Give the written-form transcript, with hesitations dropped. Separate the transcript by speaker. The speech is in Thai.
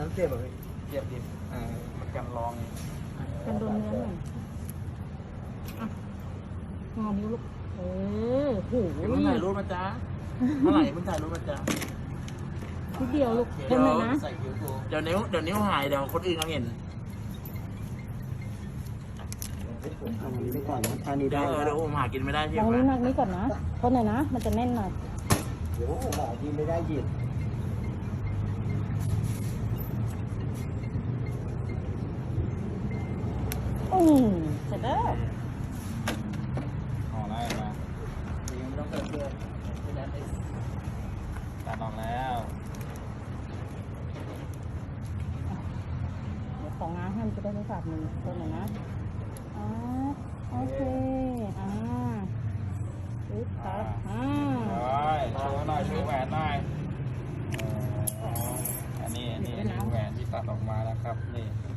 Speaker 1: นั้นเจ็บแบบ
Speaker 2: เจ็บดิมันกันรอง
Speaker 3: กันโดนเนื้อหน่อยอ่ะงอนิ้วลูกโห
Speaker 2: เดี๋ยวมึงถ่ายรูปมาจ้าเมื่อไหร่มึงถ่ายรูปมาจ้า
Speaker 3: นิดเดียวลูก
Speaker 2: เดี๋
Speaker 3: เต็
Speaker 2: ยว
Speaker 3: มเลยนะ
Speaker 2: ใส่คิ้วกูเดี๋ยวนิ้วหายเดี๋ยวคนอื่นเขาเห็น
Speaker 1: อันนี้ไปก่อนนะอันนี้
Speaker 2: เดี๋
Speaker 1: ได้
Speaker 2: ยวเดี๋ยวผมหากินไม่ได้ที่
Speaker 3: ลอง
Speaker 2: ไหม
Speaker 3: นิ้วนักนี้ก่อนนะทนหน่อยนะ มันจะแน่นหน่อย
Speaker 1: เดี๋ยวหาที่ไม่ได้หยิบ
Speaker 3: เสร็จแล้ว
Speaker 4: ออกแล้วมา
Speaker 2: ยังไม่ต้องเติมเยอะไม่งั้นไอ้
Speaker 4: ตัดออกแล้ว
Speaker 3: เดี๋ยวของง้างให้มันจะได้ไม่ขาดมือทนหน่อยนะโอเคปึ๊บครับ
Speaker 4: ร้อยโชว์หน่อยโชว์แหวนหน่อยอันนี้แหวนที่ตัดออกมานะครับนี่